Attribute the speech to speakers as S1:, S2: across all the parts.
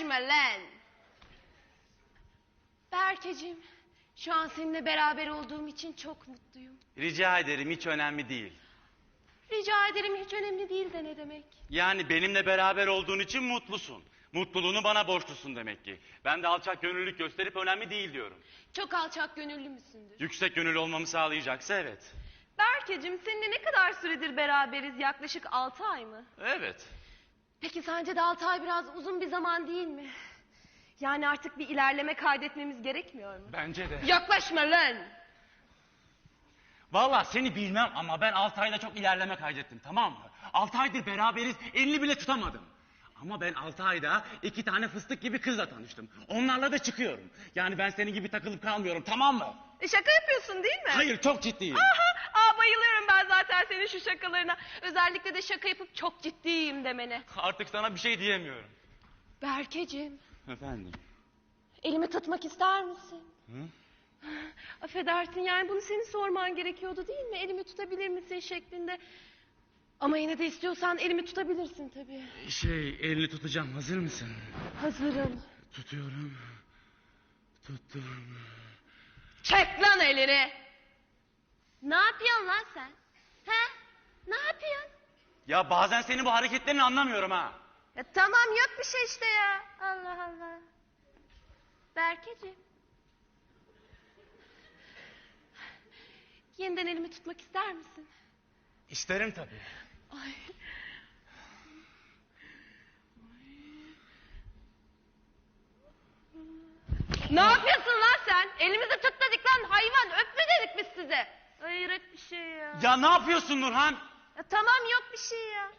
S1: Yaklaştırma lan. Berkeciğim, şu an seninle beraber olduğum için çok mutluyum.
S2: Rica ederim, hiç önemli değil.
S1: Rica ederim, hiç önemli değil de ne demek?
S2: Yani benimle beraber olduğun için mutlusun. Mutluluğunu bana borçlusun demek ki. Ben de alçak gönüllülük gösterip önemli değil diyorum.
S1: Çok alçak gönüllü müsündür?
S2: Yüksek gönüllü olmamı sağlayacaksa evet.
S1: Berkeciğim, seninle ne kadar süredir beraberiz? Yaklaşık 6 ay mı?
S2: Evet.
S1: Peki sence de 6 ay biraz uzun bir zaman değil mi? Yani artık bir ilerleme kaydetmemiz gerekmiyor mu?
S2: Bence de.
S1: Yaklaşma lan!
S2: Vallahi seni bilmem ama ben 6 ayda çok ilerleme kaydettim, tamam mı? 6 aydır beraberiz, elini bile tutamadım. Ama ben 6 ayda 2 tane fıstık gibi kızla tanıştım. Onlarla da çıkıyorum. Yani ben senin gibi takılıp kalmıyorum, tamam mı?
S1: Şaka yapıyorsun değil mi?
S2: Hayır, çok ciddiyim.
S1: Bayılıyorum ben zaten senin şu şakalarına. Özellikle de şaka yapıp çok ciddiyim demene.
S2: Artık sana bir şey diyemiyorum.
S1: Berkeciğim,
S2: Efendim?
S1: elimi tutmak ister misin?
S2: Hı?
S1: Affedersin, yani bunu senin sorman gerekiyordu değil mi? Elimi tutabilir misin şeklinde. Ama yine de istiyorsan elimi tutabilirsin tabii.
S2: Elini tutacağım, hazır mısın?
S1: Hazırım.
S2: Tutuyorum. Tuttum.
S1: Çek lan elini! Ne yapıyorsun lan sen? He? Ne yapıyorsun?
S2: Ya bazen senin bu hareketlerini anlamıyorum ha.
S1: Ya tamam, yok bir şey işte ya. Allah Allah. Berkeciğim. Yeniden elimi tutmak ister misin?
S2: İsterim tabii.
S1: Ay. Ne yapıyorsun lan sen? Elimizi tut dedik lan hayvan. Öpme dedik biz size. Hayret bir şey ya.
S2: Ya ne yapıyorsun Nurhan?
S1: Ya tamam, yok bir şey ya.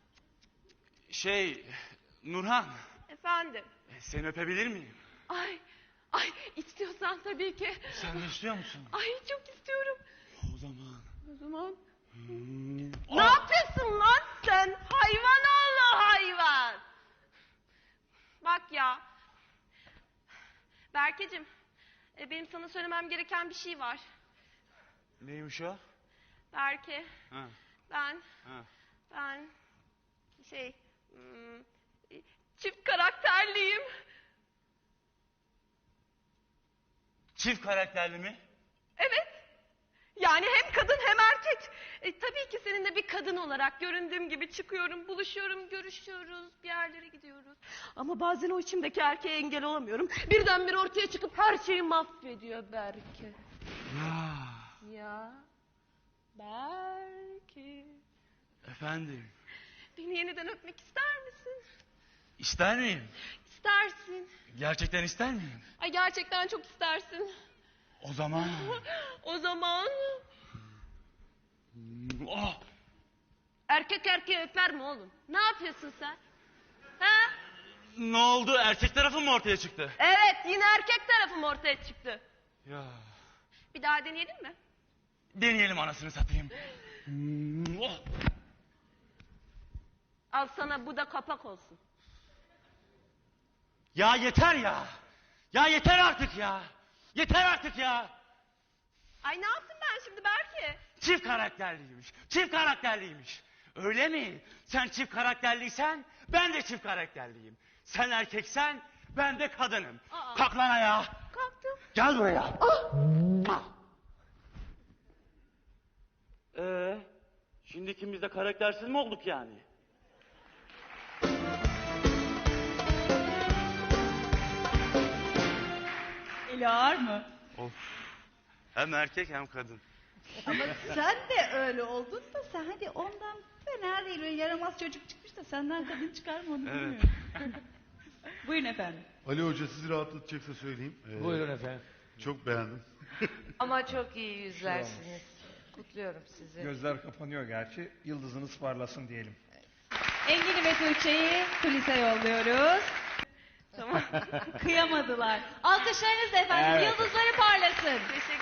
S2: Nurhan.
S1: Efendim.
S2: Seni öpebilir miyim?
S1: Ay istiyorsan tabii ki.
S2: Sen de istiyor musun?
S1: Ay çok istiyorum.
S2: O zaman.
S1: O zaman.
S2: Oh.
S1: Ne yapıyorsun lan sen? Hayvan oğlu hayvan. Bak ya. Berkeciğim, benim sana söylemem gereken bir şey var.
S2: Neymiş o?
S1: Berke,
S2: Ha.
S1: ben
S2: Ha.
S1: çift karakterliyim.
S2: Çift karakterli mi?
S1: Evet. Yani hem kadın hem erkek. Tabii ki seninle bir kadın olarak göründüğüm gibi çıkıyorum, buluşuyorum, görüşüyoruz, bir yerlere gidiyoruz. Ama bazen o içimdeki erkeğe engel olamıyorum. Birdenbire ortaya çıkıp her şeyi mahvediyor Berke. Ya. Berke.
S2: Efendim?
S1: Beni yeniden öpmek ister misin?
S2: İster miyim?
S1: İstersin.
S2: Gerçekten ister miyim?
S1: Ay gerçekten çok istersin.
S2: O zaman.
S1: O zaman
S2: Oh.
S1: erkek erkeği öper mi oğlum? Ne yapıyorsun sen? Ha?
S2: Ne oldu? Erkek tarafın mı ortaya çıktı?
S1: Evet, yine erkek tarafım ortaya çıktı.
S2: Ya.
S1: Bir daha deneyelim mi?
S2: Deneyelim anasını satayım. Oh.
S1: Al sana, bu da kapak olsun.
S2: Ya yeter ya. Ya yeter artık ya. Yeter artık ya.
S1: Ay ne yaptım ben şimdi Berke?
S2: Çift karakterliymiş. Çift karakterliymiş. Öyle mi? Sen çift karakterliysen ben de çift karakterliyim. Sen erkeksen ben de kadınım. Kalk lan ayağa.
S1: Kalktım.
S2: Gel buraya. Şimdi ikimiz de karaktersiz mi olduk yani?
S3: Eli ağır mı?
S2: Of. Hem erkek hem kadın.
S3: Ama sen de öyle oldun da sen hadi ondan fena değil. Öyle yaramaz çocuk çıkmış da senden kadın çıkar mı onu bilmiyorum. Buyurun efendim.
S4: Ali Hoca sizi rahatlatacaksa söyleyeyim.
S5: Buyurun efendim.
S4: Çok beğendim.
S6: Ama çok iyi yüzlersiniz. Kutluyorum sizi.
S5: Gözler kapanıyor gerçi. Yıldızınız parlasın diyelim.
S3: Engin'i ve Tuğçe'yi kulise yolluyoruz.
S1: Tamam.
S3: Kıyamadılar. Alkışlarınızla efendim,
S5: Evet.
S3: yıldızları parlasın.
S1: Teşekkür